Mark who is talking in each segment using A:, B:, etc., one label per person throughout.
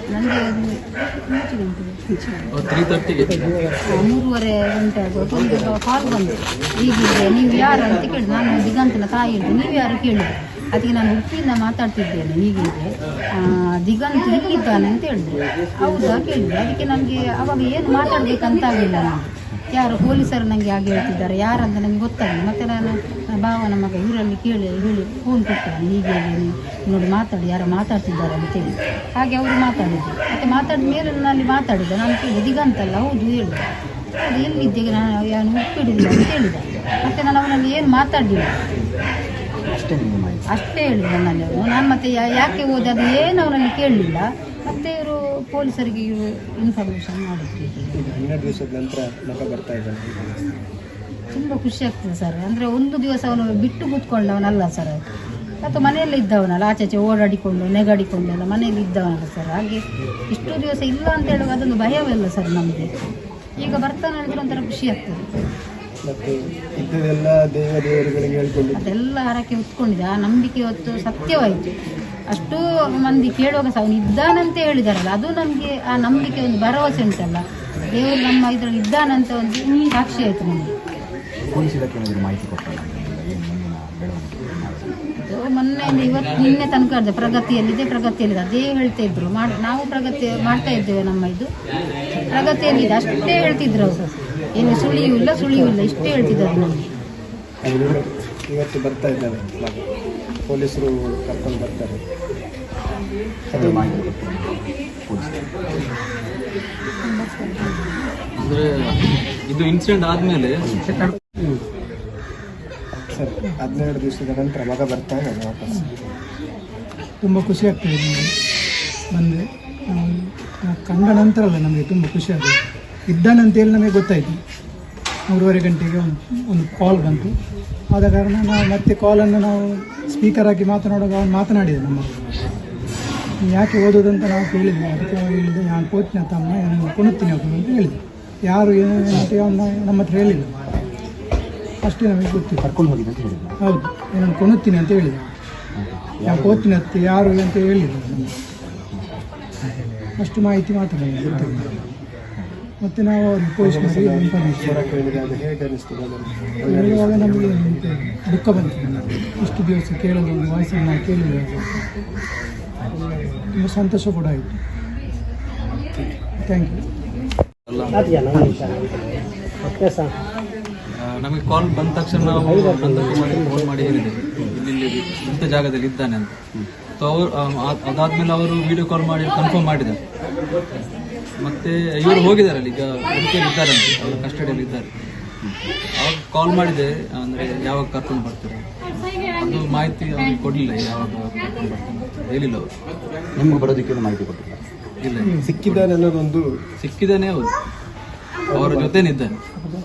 A: ನನಗೆ ಒಂದು 3:30 ಗಂಟೆ ಆಗುವಾಗ ಒಂದು ಕಾಲ್ ಬಂತು. ಹೀಗಿದ್ರೆ ನೀವು ಯಾರು ಅಂತ ಕೇಳಿದೆ. ನಾನು ದಿಗಂತನ ತಾಯಿ ಹೇಳಿದೆ. ನೀವು ಯಾರು ಕೇಳಿದೆ. ಅದಕ್ಕೆ ನಾನು ಉಡುಪಿಯಿಂದ ಮಾತಾಡ್ತಿದ್ದೇನೆ. ಹೀಗಿದ್ರೆ ದಿಗಂತ್ ಇಲ್ಲಿದ್ದಾನೆ ಅಂತ ಹೇಳಿದ್ರು. ಹೌದಾ ಕೇಳಿದೆ. ಅದಕ್ಕೆ ನನಗೆ ಅವಾಗ ಏನು ಮಾತಾಡಬೇಕಂತಾಗಲಿಲ್ಲ. ನನಗೆ ಯಾರು ಪೊಲೀಸರು ನನಗೆ ಹಾಗೆ ಹೇಳ್ತಿದ್ದಾರೆ, ಯಾರಂತ ನನಗೆ ಗೊತ್ತಾಗಲಿಲ್ಲ. ಮತ್ತು ನಾನು ಭಾವನ ಮಗ ಇವರಲ್ಲಿ ಹೇಳಿ ಫೋನ್ ಕೊಟ್ಟೆ. ಹೀಗೆ ನೋಡಿ ಮಾತಾಡಿ, ಯಾರು ಮಾತಾಡ್ತಿದ್ದಾರೆ ಅಂತೇಳಿ. ಹಾಗೆ ಅವರು ಮಾತಾಡಿದ್ರು. ಮತ್ತು ಮಾತಾಡಿದ ಮೇಲೆ ನಾನು ಅಲ್ಲಿ ಮಾತಾಡಿದ್ದೆ. ನಾನು ಕೇಳಿದೆ ದಿಗಂತಲ್ಲ. ಹೌದು ಹೇಳಿದೆ. ಅದು ಎಲ್ಲಿದ್ದೆ ನಾನು ಉಪ್ಪಿಡಿಲ್ಲ ಅಂತ ಹೇಳಿದೆ. ಮತ್ತು ನಾನು ಅವನಲ್ಲಿ ಏನು ಮಾತಾಡಲಿಲ್ಲ, ಅಷ್ಟೇ ಹೇಳಿದೆ ನನ್ನಲ್ಲಿ ಅವನು. ನಾನು ಮತ್ತೆ ಯಾಕೆ ಹೋದೆ ಅದು ಏನು ಅವನಲ್ಲಿ ಕೇಳಲಿಲ್ಲ. ಮತ್ತು ಇವರು ಪೊಲೀಸರಿಗೆ ಇನ್ಫಾರ್ಮೇಷನ್ ಮಾಡಿದ್ರು.
B: 12 ದಿವಸದ ನಂತರ ಮಗ ಬರ್ತಾ ಇದ್ದಾನೆ.
A: ತುಂಬ ಖುಷಿ ಆಗ್ತದೆ ಸರ್. ಅಂದರೆ ಒಂದು ದಿವಸ ಅವನು ಬಿಟ್ಟು ಕೂತ್ಕೊಂಡವನಲ್ಲ ಸರ್, ಅಥವಾ ಮನೆಯಲ್ಲೇ ಇದ್ದವನಲ್ಲ, ಆಚೆ ಓಡಾಡಿಕೊಂಡು ನೆಗಾಡಿಕೊಂಡೆಲ್ಲ ಮನೆಯಲ್ಲಿ ಇದ್ದವನಲ್ಲ ಸರ್. ಹಾಗೆ ಇಷ್ಟು ದಿವಸ ಇಲ್ಲ ಅಂತ ಹೇಳುವಾಗ ಅದೊಂದು ಭಯವಲ್ಲ ಸರ್ ನಮಗೆ. ಈಗ ಬರ್ತಾನೆ ಹೇಳಿದ್ರೆ ಒಂಥರ ಖುಷಿ ಆಗ್ತದೆ.
B: ಮತ್ತು ಇದೆಲ್ಲ ದೇವರುಗಳಿಗೆ ಹೇಳ್ಕೊಂಡು
A: ಅದೆಲ್ಲ ಹರಕೆ ಹೊತ್ಕೊಂಡಿದೆ. ಆ ನಂಬಿಕೆ ಇವತ್ತು ಸತ್ಯವಾಯಿತು. ಅಷ್ಟು ಮಂದಿ ಕೇಳುವಾಗ ಸಹ ಅವನು ಇದ್ದಾನಂತ ಹೇಳಿದಾರಲ್ಲ, ಅದು ನಮಗೆ ಆ ನಂಬಿಕೆ ಒಂದು ಭರವಸೆ ಉಂಟಲ್ಲ, ದೇವರು ನಮ್ಮ ಇದರಲ್ಲಿ ಇದ್ದಾನಂತ ಒಂದು ಸಾಕ್ಷಿ ಆಯಿತು ನಮಗೆ. ಮೊನ್ನೆ ಇವತ್ತು ನಿನ್ನೆ ತನಕ ಪ್ರಗತಿಯಲ್ಲಿದೆ ಅದೇ ಹೇಳ್ತಾ ಇದ್ರು. ನಾವು ಪ್ರಗತಿ ಮಾಡ್ತಾ ಇದ್ದೇವೆ, ನಮ್ಮ ಇದು ಪ್ರಗತಿಯಲ್ಲಿದೆ ಅಷ್ಟೇ ಹೇಳ್ತಿದ್ರು ಅವರು. ಏನು ಸುಳಿಯೂ ಇಲ್ಲ ಇಷ್ಟೇ ಹೇಳ್ತಿದ್ದಾರೆ ನಮಗೆ.
B: ಇವತ್ತು ಬರ್ತಾ ಇದ್ದಾರೆ ಪೊಲೀಸರು ಕರ್ಕೊಂಡು ಬರ್ತಾರೆ.
C: ಅಂದರೆ ಇದು ಇನ್ಸಿಡೆಂಟ್ ಆದಮೇಲೆ
B: ಸರ್ 12 ದಿವಸದ ನಂತರ ಮಗ ಬರ್ತಾ ಇದ್ದಾನೆ ವಾಪಸ್.
D: ತುಂಬ ಖುಷಿ ಆಗ್ತದೆ ನಮಗೆ. ಬಂದರೆ ಕಂಡ ನಂತರ ಅಲ್ಲ ನಮಗೆ ತುಂಬ ಖುಷಿ ಆಗ್ತದೆ. ಇದ್ದಾನಂತೇಳಿ ನಮಗೆ ಗೊತ್ತಾಯಿತು. 3:30 ಗಂಟೆಗೆ ಒಂದು ಕಾಲ್ ಬಂತು. ಆದ ಕಾರಣ ನಾವು ಮತ್ತೆ ಕಾಲನ್ನು ನಾವು ಸ್ಪೀಕರ್ ಹಾಕಿ ಮಾತನಾಡುವಾಗ ಅವನು ಮಾತನಾಡಿದೆ. ನಮ್ಮ ಯಾಕೆ ಓದೋದಂತ ನಾವು ಕೇಳಿದ್ವಿ. ಅದಕ್ಕೆ ಹೇಳಿದೆ, ನಾನು ಕೋಚಿನ ತಮ್ಮ ನಾನು ಕೊಡುತ್ತೀನಿ ಅಂತ ಹೇಳಿದೆ. ಯಾರು ಏನು ಅಂತ ನಮ್ಮ ಹತ್ರ ಹೇಳಿಲ್ಲ. ಅಷ್ಟೇ ನಮಗೆ ಗೊತ್ತಿತ್ತು.
B: ಕರ್ಕೊಂಡು ಹೋಗಿದೆ ಅಂತ ಹೇಳಿದ್ರು.
D: ಹೌದು, ನಾನು ಕೊಡುತ್ತೀನಿ ಅಂತ ಹೇಳಿದೆ. ನಾನು ಕೋಚಿನ ಹತ್ತಿ ಯಾರು ಅಂತ ಹೇಳಿಲ್ಲ ನಮಗೆ. ಅಷ್ಟು ಮಾಹಿತಿ ಮಾತ್ರ ನಮಗೆ ಗೊತ್ತಿಲ್ಲ. ಮತ್ತು ನಾವು ಅವ್ರಿಗೆ ಪೋಸ್ಟ್ ಮಾಡಿ ಇನ್ಫಾರ್ಮೇಷನ್ ಹೇಳುವಾಗ ನಮಗೆ ದುಃಖ ಬಂತು. ಇಷ್ಟು ದಿವಸ ಕೇಳೋದು ಒಂದು ವಾಯ್ಸನ್ನು ನಾವು ಕೇಳಿಲ್ಲ. ತುಂಬ ಸಂತೋಷ ಕೂಡ ಆಯಿತು. Thank you.
C: ನಮಗೆ ಕಾಲ್ ಬಂದ ತಕ್ಷಣ ನಾವು ಫೋನ್ ಮಾಡಿ ಹೇಳಿದ್ದೇವೆ ಇಲ್ಲಿ ಇಂಥ ಜಾಗದಲ್ಲಿ ಇದ್ದಾನೆ ಅಂತ. ಸೊ ಅವರು ಅದಾದ್ಮೇಲೆ ಅವರು ವಿಡಿಯೋ ಕಾಲ್ ಮಾಡಿ ಕನ್ಫರ್ಮ್ ಮಾಡಿದ್ದಾರೆ. ಮತ್ತೆ ಇವರು ಹೋಗಿದ್ದಾರಲ್ಲ, ಈಗ ಉಡುಪಿಯಲ್ಲಿ ಇದ್ದಾರೆ ಅಂತ, ಅವರು ಕಸ್ಟಡಿಯಲ್ಲಿ ಇದ್ದಾರೆ. ಅವಾಗ ಕಾಲ್ ಮಾಡಿದೆ, ಅಂದರೆ ಯಾವಾಗ ಕರ್ಕೊಂಡು ಬರ್ತಾರೆ ಅದು ಮಾಹಿತಿ ಅವ್ರಿಗೆ ಕೊಡಲಿಲ್ಲ. ಯಾವಾಗ ಕರ್ಕೊಂಡು ಬರ್ತಾರೆ ಹೇಳಿಲ್ಲ ಅವರು.
B: ನಿಮ್ಗೆ ಬರೋದಕ್ಕೆ ಮಾಹಿತಿ ಕೊಟ್ಟಿಲ್ಲ?
C: ಇಲ್ಲ,
B: ಸಿಕ್ಕಿದ್ದಾನೆ ಅನ್ನೋದೊಂದು
C: ಸಿಕ್ಕಿದ್ದಾನೆ. ಹೌದು, ಅವರ ಜೊತೆನಿದ್ದಾನೆ.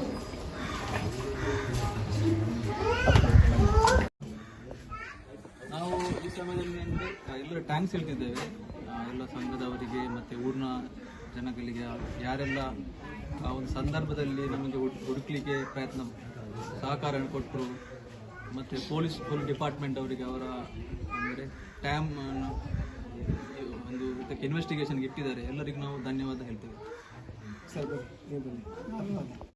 C: ನಾವು ಈ ಸಮಯದಲ್ಲಿ ಎಲ್ಲರೂ ಟ್ಯಾಂಕ್ಸ್ ಹೇಳ್ತಿದ್ದೇವೆ, ಎಲ್ಲ ಸಂಘದವರಿಗೆ ಮತ್ತು ಊರಿನ ಜನಗಳಿಗೆ, ಯಾರೆಲ್ಲ ಆ ಒಂದು ಸಂದರ್ಭದಲ್ಲಿ ನಮಗೆ ಹುಡುಕ್ಲಿಕ್ಕೆ ಪ್ರಯತ್ನ ಸಹಕಾರ ಕೊಟ್ಟರು, ಮತ್ತು ಪೊಲೀಸ್ ಡಿಪಾರ್ಟ್ಮೆಂಟ್ ಅವರಿಗೆ ಅವರ ಅಂದರೆ ಟೈಮ್ ಒಂದು ಇದಕ್ಕೆ ಇನ್ವೆಸ್ಟಿಗೇಷನ್ಗೆ ಇಟ್ಟಿದ್ದಾರೆ. ಎಲ್ಲರಿಗೂ ನಾವು ಧನ್ಯವಾದ ಹೇಳ್ತೇವೆ.